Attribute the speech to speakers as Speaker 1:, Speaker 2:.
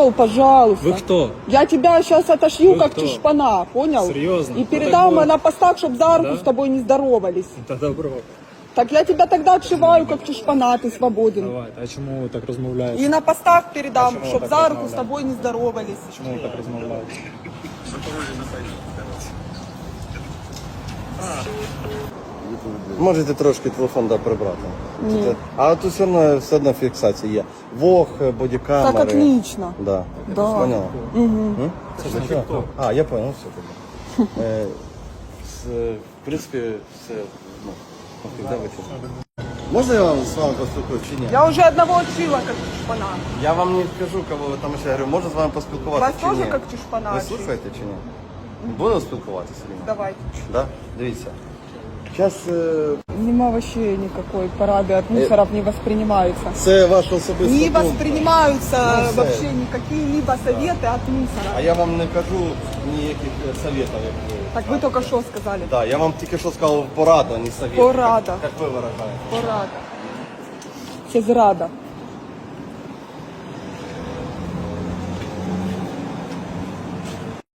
Speaker 1: Пожалуйста.
Speaker 2: Вы кто?
Speaker 1: Я тебя сейчас отошью,
Speaker 2: Вы
Speaker 1: как
Speaker 2: кто?
Speaker 1: чешпана, понял?
Speaker 2: Серьезно?
Speaker 1: И
Speaker 2: Ну,
Speaker 1: передам
Speaker 2: так вот.
Speaker 1: на постах, чтобы за руку
Speaker 2: Да?
Speaker 1: с тобой не здоровались.
Speaker 2: Та добро.
Speaker 1: Так я тебя тогда отшиваю, как чешпана, ты свободен.
Speaker 2: Давайте. А чому ви так розмовляєте?
Speaker 1: И на постах передам,
Speaker 2: Почему
Speaker 1: чтобы
Speaker 2: так
Speaker 1: за руку с
Speaker 2: размовляете?
Speaker 1: тобой не здоровались.
Speaker 2: Чому ви так розмовляєте?
Speaker 3: Можете трошки телефон прибрати.
Speaker 1: Ні.
Speaker 3: А тут все одно фіксація є. Вог, бодікамери.
Speaker 1: Так отлично.
Speaker 3: Да.
Speaker 1: Да.
Speaker 3: Поняла?
Speaker 1: Угу.
Speaker 2: Це ж не TikTok.
Speaker 3: А, я понял, все тоді. В принципі, все, ну, когда ви тут? Можна я вам з вами поспілкуюсь чи ні?
Speaker 1: Я уже одного отшила, как чешпана.
Speaker 3: Я вам не скажу, кого ви там ще говорю, можна з вами поспілкуватися
Speaker 1: Вас
Speaker 3: чи
Speaker 1: тоже
Speaker 3: ні?
Speaker 1: как чешпана
Speaker 3: Ви
Speaker 1: отшила?
Speaker 3: слухаєте чи ні? Будемо спілкуватися? чи ні?
Speaker 1: Давайте.
Speaker 3: Да? Дивіться. Зараз
Speaker 1: Нема вообще никакой парады от мусоров не воспринимаются.
Speaker 3: це ваша особиста
Speaker 1: Не
Speaker 3: думка.
Speaker 1: воспринимаются
Speaker 3: Ну, все.
Speaker 1: вообще никакие-либо советы от
Speaker 3: А
Speaker 1: мусора.
Speaker 3: я вам не кажу ніяких советів, як ви.
Speaker 1: Так вы только что сказали.
Speaker 3: Да, я вам тільки що сказав пораду, а не совет.
Speaker 1: Порада.
Speaker 3: Як ви виражаєте.
Speaker 1: Порада. Це зрада.